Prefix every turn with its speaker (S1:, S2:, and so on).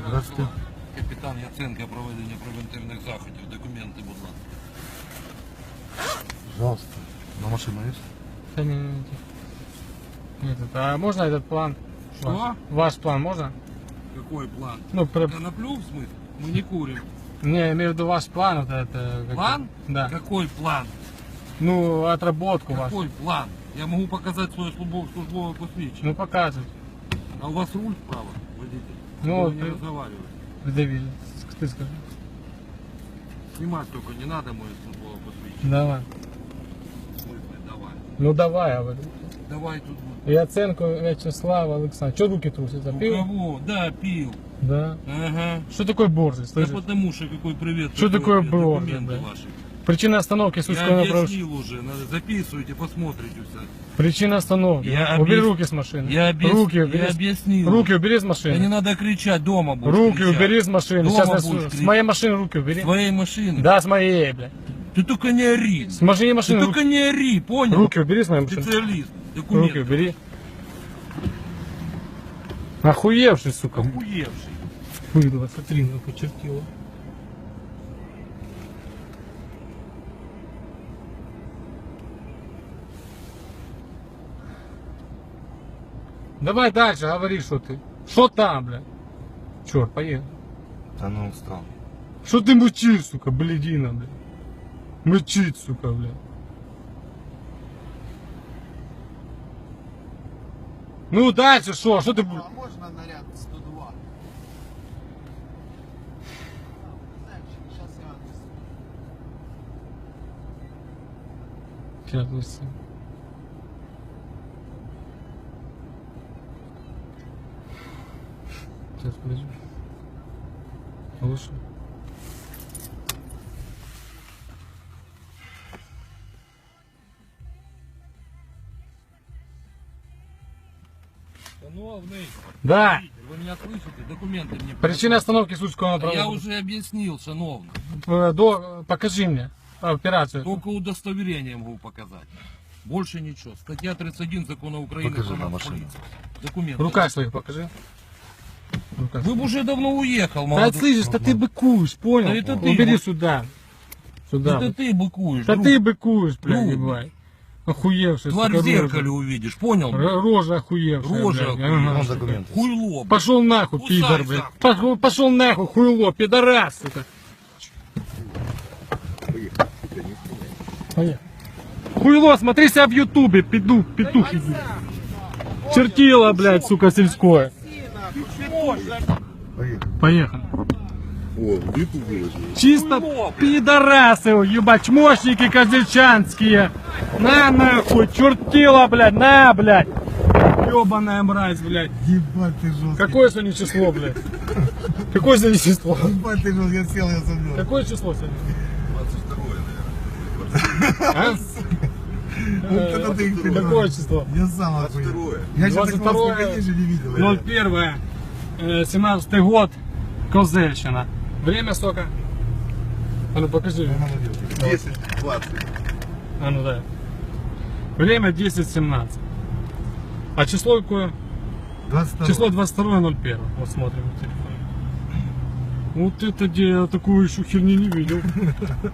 S1: Здравствуйте.
S2: Капітан Яценко, проведення превентивних заходів. Документи, будь ласка.
S1: Пожалуйста. На машину есть?
S3: Да не. Этот, а можно этот план?
S2: Что?
S3: Ваш план можно?
S2: Какой план?
S3: Ну,
S2: Коноплю, в смысле? Мы не курим.
S3: не, я имею в виду ваш план, вот это.
S2: План?
S3: Да.
S2: Какой план?
S3: Ну, отработку вашу.
S2: Какой план? Я могу показать свое службовое посвящение.
S3: Ну, показывать.
S2: А у вас руль вправо, водитель?
S3: Ну,
S2: Вы не
S3: ты-
S2: разговариваете.
S3: Давид, ты скажи.
S2: Снимать только не надо мое службовое посвящение.
S3: Давай.
S2: В смысле, давай.
S3: Ну, давай, я говорю.
S2: Давай тут будет.
S3: Яценко Вячеслав Александрович. Что руки трусятся?
S2: У
S3: Пил?
S2: кого? Да, пил.
S3: Да.
S2: Ага.
S3: Что такое борзый,
S2: Да
S3: слышишь?
S2: потому что какой привет.
S3: Что такое
S2: привет,
S3: было,
S2: документы
S3: да?
S2: ваши.
S3: Причина остановки
S2: Я
S3: Сульского направления.
S2: объяснил уже, надо записывайте, посмотрите все.
S3: Причина остановки.
S2: Я
S3: Убери
S2: объяс-
S3: руки с машины.
S2: Я
S3: Руки убери.
S2: я объяснил.
S3: Руки убери с
S2: Да не
S3: машины.
S2: надо кричать, дома будешь
S3: Руки
S2: кричать.
S3: убери с машины.
S2: Дома
S3: Сейчас я
S2: будешь
S3: с
S2: кричать.
S3: моей машины руки убери.
S2: С твоей машины?
S3: Да, с моей, блядь.
S2: Ты только не ори.
S3: С моей
S2: Ты
S3: машины
S2: только не ори, понял?
S3: руки убери с моей машины.
S2: Специалист. Документы.
S3: Руки убери. Охуевший, сука.
S2: Охуевший.
S3: Выдала, смотри, ну почертила. Давай дальше, говори, что ты. Что там, блядь? Черт, поехали.
S1: Да ну устал.
S3: Что ты мучишь, сука, блядина, блядь? Мучить, сука, блядь. Ну дальше что? Что ты...
S4: А можно наряд 102? Сейчас я адрес.
S3: Сейчас, подожди. Сейчас, подожди. Лучше.
S2: Шановный,
S3: Да.
S2: вы меня слышите? Документы мне.
S3: Причина остановки Сульского
S2: Я
S3: направления.
S2: уже объяснил, шановный.
S3: Покажи мне операцию.
S2: Только удостоверение могу показать. Больше ничего. Статья 31 Закона Украины.
S1: Покажи
S2: про
S1: на
S2: нацполицию.
S1: машину.
S2: Документы.
S3: В руках своих покажи. В руках.
S2: Вы бы уже давно уехал,
S3: Да
S2: молодой.
S3: слышишь, да ты быкуешь, понял?
S2: Да это ты,
S3: Убери
S2: вот.
S3: сюда. Сюда.
S2: Это ты быкуешь.
S3: Да
S2: друг.
S3: ты быкуешь, блядь,
S2: Друг.
S3: ебать. Охуевший,
S2: Тварь
S3: сука,
S2: в зеркале
S3: рожа.
S2: увидишь, понял?
S3: Рожа охуевшая,
S2: Рожа
S3: блядь.
S2: охуевшая.
S3: Ага.
S1: Вон документы.
S2: Хуйло. блядь.
S3: Пошел нахуй,
S2: Кусай
S3: пидор, блядь.
S2: завтра.
S3: Пошел нахуй, хуйло, пидорас, сука. Поехали. Хуйло, смотри себя в ютубе, петух иди. Чертила, блядь, сука, сельское.
S1: Поехали.
S3: Поехали.
S1: О, в YouTube выложили.
S3: Чисто пидорасы, ебать, чмошники козельчанские. На нахуй, чертила, блядь, на, блядь. Ебаная мразь, блядь.
S4: Ебать ты жесткий.
S3: Какое сегодня число, блядь? Какое сегодня число?
S4: Ебать ты жесткий, я сел, я забил.
S3: Какое число сегодня?
S1: 22
S3: А?
S4: Вот это ты их придумал.
S3: Какое число?
S4: Я сам охуел.
S1: 22.
S4: Я еще
S3: 22
S4: такого конечно не видел.
S3: 01, 17 год, Козельщина. Время сколько? А ну покажи.
S1: 10-20.
S3: А ну да. Время 10:17. А число какое?
S4: 22.
S3: Число 22.01. Вот смотрим на телефоне. Вот это где я такую еще херни не видел.